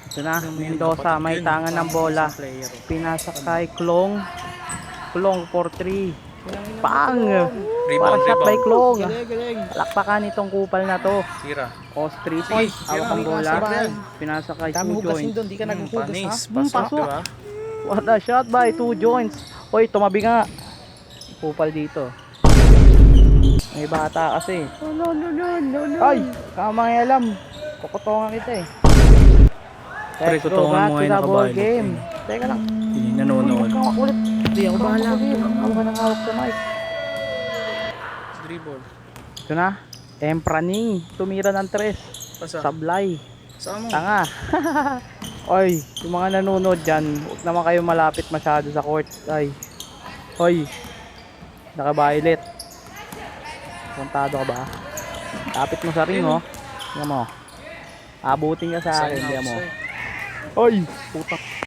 Ito na, Mendoza, may tangan ng bola. Pinasa kay Klong. Klong 4-3. Pang! Para Rebound, shot by rebound. Klong. Galing. Palakpakan itong kupal na to. Tira. Os 3 points. Hawak ang bola. Pinasa kay Dami 2 hugasin joints. doon, di ka naghuhugas ha. Panis. Pasok. Pasok, diba? What a shot by 2 joints. Hoy, tumabi nga. Kupal dito. May bata kasi. No. Ay, kamangialam. Kukutongan kita eh. Pre, Let's go kutongan back mo to ngayon the ball nakabayad. game. Teka lang. Hindi nanonood. Huwag kang makulit. Hindi ako bahala. Ako ka nang hawak sa mic. Dribble. Ito na. Emprani. Tumira ng 3. Pasa. Sablay. Saan mo? Tanga. Oy, yung mga nanonood dyan, huwag naman kayo malapit masyado sa court. Ay. Hoy. Naka-violet. Puntado ka ba? Lapit mo sa ring, oh. Tingnan mo. Abutin ka sa akin, Sign tingnan mo. outside. Oy, putak.